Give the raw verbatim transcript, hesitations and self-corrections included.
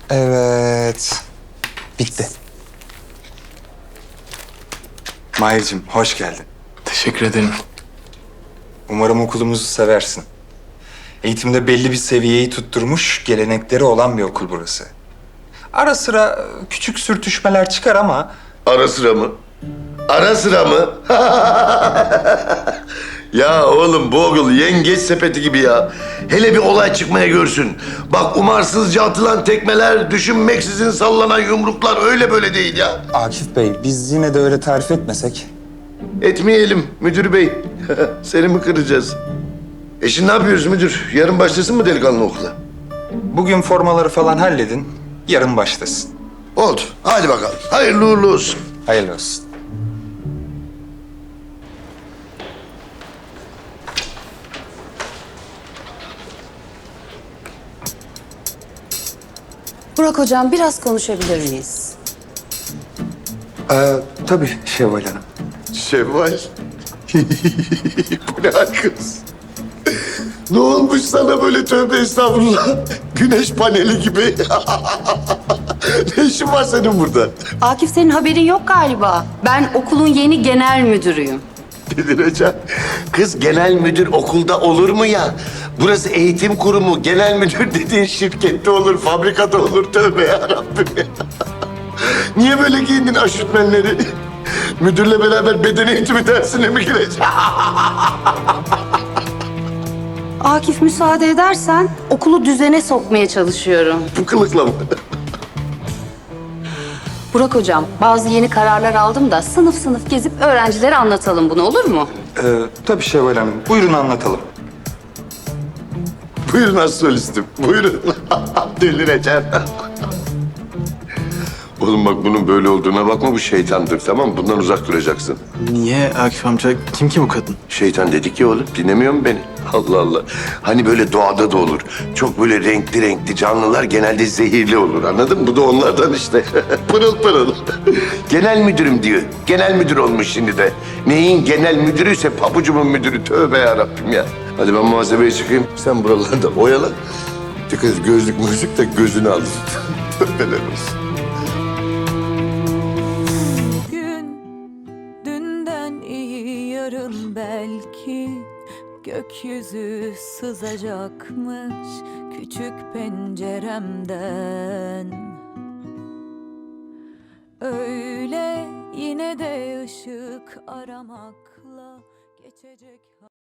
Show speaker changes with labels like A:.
A: Evet. Bitti. Mahir'cim hoş geldin.
B: Teşekkür ederim.
A: Umarım okulumuzu seversin. Eğitimde belli bir seviyeyi tutturmuş, gelenekleri olan bir okul burası. Ara sıra küçük sürtüşmeler çıkar ama
C: Ara sıra mı? Ara sıra mı? Ya oğlum bu okul yengeç sepeti gibi ya. Hele bir olay çıkmaya görsün. Bak umarsızca atılan tekmeler, düşünmeksizin sallanan yumruklar öyle böyle değil ya.
A: Akif Bey biz yine de öyle tarif etmesek.
C: Etmeyelim müdür bey. Seni mi kıracağız? E şimdi ne yapıyoruz müdür? Yarın başlasın mı delikanlı okula?
A: Bugün formaları falan halledin, yarın başlasın.
C: Oldu. Hadi bakalım. Hayırlı uğurlu olsun.
A: Hayırlı olsun.
D: Burak hocam biraz konuşabilir miyiz?
A: Ee, tabii Şevval Hanım.
C: Şevval. Bu ne hal kız? Ne olmuş sana böyle tövbe estağfurullah? Güneş paneli gibi. Ne işin var senin burada?
D: Akif senin haberin yok galiba. Ben okulun yeni genel müdürüyüm.
C: Delireceğim. Kız genel müdür okulda olur mu ya? Burası eğitim kurumu. Genel müdür dediğin şirkette olur, fabrikada olur. Tövbe yarabbim ya. Niye böyle giyindin aşütmenleri? Müdürle beraber beden eğitimi dersine mi gireceksin?
D: Akif müsaade edersen okulu düzene sokmaya çalışıyorum.
C: Bu kılıkla mı?
D: Burak hocam bazı yeni kararlar aldım da sınıf sınıf gezip öğrencilere anlatalım bunu, olur mu?
A: Ee, tabii Şevval Hanım, buyurun anlatalım.
C: Buyurun astrolistim, buyurun. Delireceğim. Oğlum bak bunun böyle olduğuna bakma, bu şeytandır, tamam mı? Bundan uzak duracaksın.
B: Niye Akif amca? Kim ki bu kadın?
C: Şeytan dedik ya oğlum, dinlemiyor musun beni? Allah Allah. Hani böyle doğada da olur. Çok böyle renkli renkli canlılar genelde zehirli olur, anladın mı? Bu da onlardan işte. Pırıl pırıl. Genel müdürüm diyor. Genel müdür olmuş şimdi de. Neyin genel müdürüyse pabucumun müdürü. Tövbe yarabbim ya. Hadi ben muhasebeye çıkayım. Sen buralarda oyala. Dikkat et, gözlük müzik de gözünü alır. Helal olsun.
E: Gün dünden iyi yarın belki gökyüzü sızacakmış küçük penceremden. Öyle yine de ışık aramakla geçecek.